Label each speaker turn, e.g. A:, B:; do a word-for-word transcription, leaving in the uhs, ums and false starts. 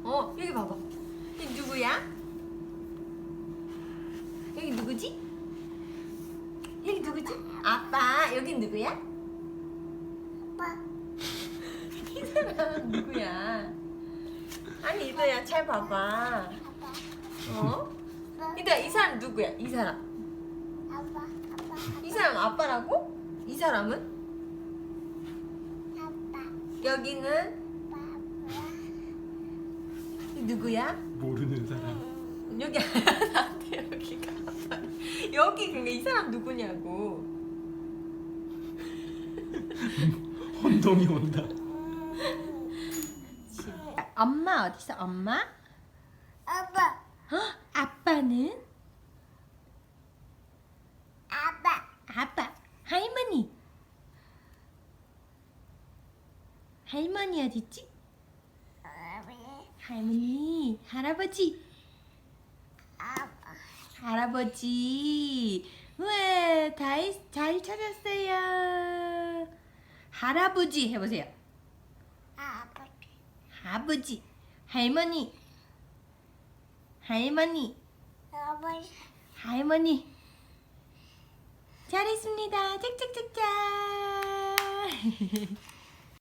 A: 어, 여기 봐봐. 여기 누구야? 여기 누구지? 여기 누구지? 아빠. 여기 누구야?
B: 아빠.
A: 이 사람 누구야? 아니 이도야 잘 봐봐.
B: 아빠.
A: 어? 이도야 이 사람 누구야? 이 사람.
B: 아빠. 아빠.
A: 이 사람 아빠라고? 이 사람은?
B: 아빠.
A: 여기는
B: 아빠.
A: 누구야?
C: 모르는 사람.
A: 여기 나한테 여기가 아빠. 여기 근데 이 사람 누구냐고.
C: 혼동이 온다.
A: 엄마 어디 있어? 엄마?
B: 아빠.
A: 어? 아빠는?
B: 아빠.
A: 아빠. 할머니. 할머니 어디 있지? 할머니. 할아버지.
B: 아빠.
A: 할아버지. 우와, 다, 잘 찾았어요. 할아버지 해보세요.
B: 아빠.
A: 아버지. 할머니. 할머니.
B: 아버지.
A: 할머니. 잘했습니다. 짝짝짝짝.